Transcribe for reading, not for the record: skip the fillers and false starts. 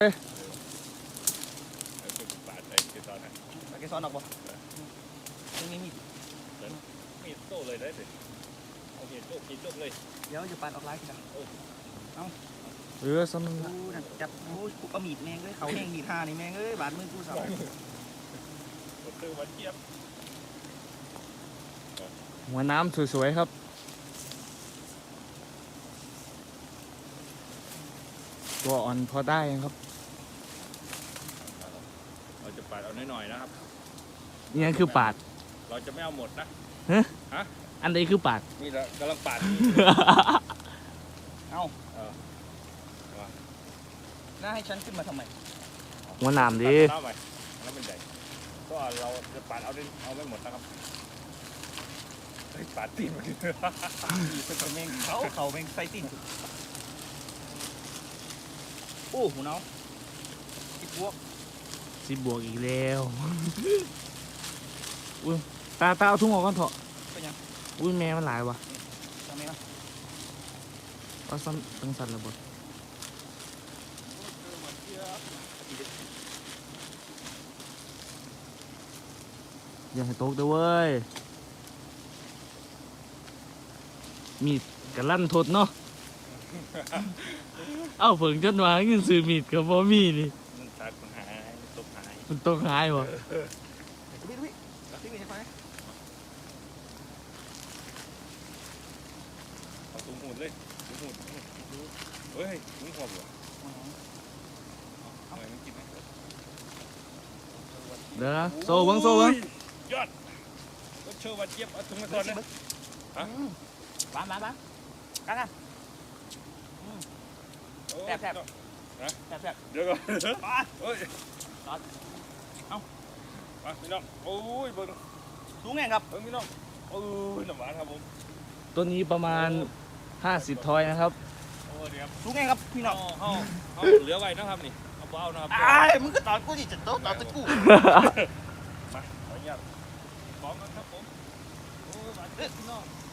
ปาดไอ้เกสรนะเกสรออกบ่ยังมีมีดโต้เลยได้สิเอามีดโต้กินโต้เลยเดี๋ยวจะปาดออกไลน์กันเอาสนุกจับโอ้ยกูเอามีดแมงเลยเขาแห้งมีดห่านี่แมงเอ้ยบาดมือกูสั่นตื้อวันเทียบหัวน้ำสวยๆครับตัวอ่อนพอได้ครับเราจะปาดเอาหน่อยๆนะครับนี่คือปาดเราจะไม่เอาหมดนะฮะอันนี้คือปาดนี่เรากำลังปาดเอาน่าให้ฉันขึ้นมาทำไมหัวน้ำดิเอาใหม่แล้วเป็นใหญ่ก็เราจะปาดเอาไม่หมดนะครับปาดตีนมันเป็นแมงเขาแมงไซตินโอ้หูน้อง 10 บวกอีกแล้วอุ้ยตาเอาทุ่งออกก่อนเถอะอุ้ยแม่มันหลายวะเอาซ้ำตั้งสั่นระเบิดอย่าให้ตกเด้อเว้ยมีดกระลั่นทดเนาะเอ้าเพิ่งจนว่าเงินซื้อมีดกับบ่มีนี่มันตกหายวะเอาตุ้มหูดเลยตุ้มหูดเฮ้ยตุ้มหัวเหรอเอาอะไรมันกินไหมเดี๋ยวนะโซ่เบิ้งยอดก็เชื่อว่าเจี๊ยบเอาตุ้มมาก่อนนะบ้านกันแซ่บเดี๋ยวก่อนเฮ้ยเอามาพี่น้องโอ้ยเบิ้งสูงไงครับเบิ้งพี่น้องโอ้ยน้ำหวานครับผมตัวนี้ประมาณ50 ทอยนะครับโอ้เดี๋ยวสูงไงครับพี่น้องเอาเหลือไว้นะครับนี่เอาเบานะครับมึงก็ตอนกูดิจะโต๊ะตอนตะกูมาขออนุญาตพร้อมกันครับผมโอ้ยหวานเด็ดพี่น้อง